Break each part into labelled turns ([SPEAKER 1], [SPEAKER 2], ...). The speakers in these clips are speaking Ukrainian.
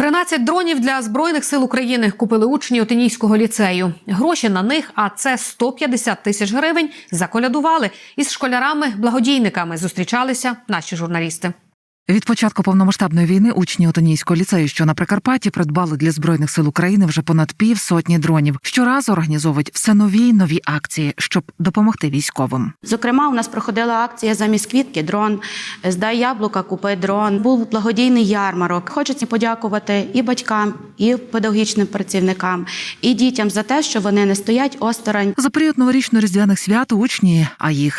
[SPEAKER 1] 13 дронів для Збройних сил України купили учні Отинійського ліцею. Гроші на них, а це 150 тисяч гривень, заколядували. Із школярами-благодійниками зустрічалися наші журналісти.
[SPEAKER 2] Від початку повномасштабної війни учні Отинійського ліцею, що на Прикарпатті, придбали для Збройних сил України вже понад 500 дронів. Щоразу організовують все нові й нові акції, щоб допомогти військовим.
[SPEAKER 3] Зокрема, у нас проходила акція «Замість квітки – дрон», «Здай яблука, купи дрон». Був благодійний ярмарок. Хочеться подякувати і батькам, і педагогічним працівникам, і дітям за те, що вони не стоять осторонь.
[SPEAKER 2] За період новорічно-різдвяних свят учні, а їх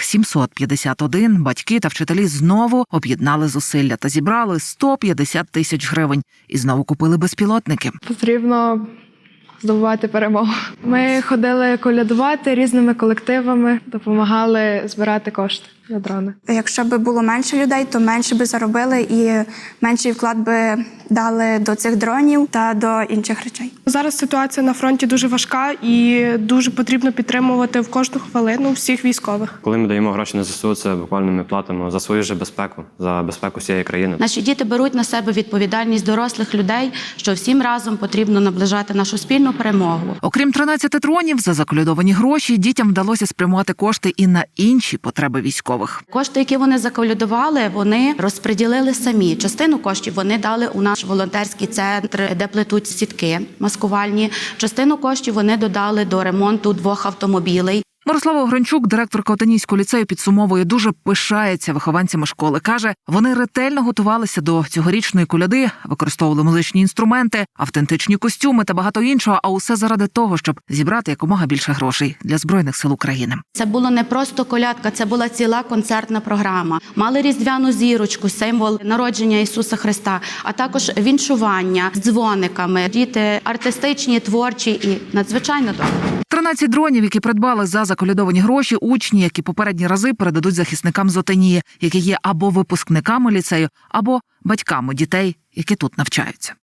[SPEAKER 2] 751, батьки та вчителі знову об'єднали зусилля та зібрали 150 тисяч гривень. І знову купили безпілотники.
[SPEAKER 4] Потрібно здобувати перемогу. Ми ходили колядувати різними колективами, допомагали збирати кошти на дрони.
[SPEAKER 5] Якщо б було менше людей, то менше би заробили і менший вклад би дали до цих дронів та до інших речей.
[SPEAKER 6] Зараз ситуація на фронті дуже важка і дуже потрібно підтримувати в кожну хвилину всіх військових.
[SPEAKER 7] Коли ми даємо гроші на ЗСУ, це буквально ми платимо за свою ж безпеку, за безпеку всієї країни.
[SPEAKER 3] Наші діти беруть на себе відповідальність дорослих людей, що всім разом потрібно наближати нашу спільну перемогу.
[SPEAKER 2] Окрім 13 дронів, за заколядовані гроші дітям вдалося спрямувати кошти і на інші потреби військових.
[SPEAKER 3] Кошти, які вони заколядували, вони розподілили самі. Частину коштів вони дали у наш волонтерський центр, де плетуть сітки маскувальні. Частину коштів вони додали до ремонту 2 автомобілей.
[SPEAKER 2] Мирослава Огранчук, директорка Отинійського ліцею, підсумовує, дуже пишається вихованцями школи. Каже, вони ретельно готувалися до цьогорічної коляди, використовували музичні інструменти, автентичні костюми та багато іншого, а усе заради того, щоб зібрати якомога більше грошей для Збройних сил України.
[SPEAKER 3] Це було не просто колядка, це була ціла концертна програма. Мали різдвяну зірочку, символ народження Ісуса Христа, а також віншування з дзвониками. Діти артистичні, творчі і надзвичайно добрі.
[SPEAKER 2] 13 дронів, які придбали за заколядовані гроші, учні, які попередні рази передадуть захисникам з Отинії, які є або випускниками ліцею, або батьками дітей, які тут навчаються.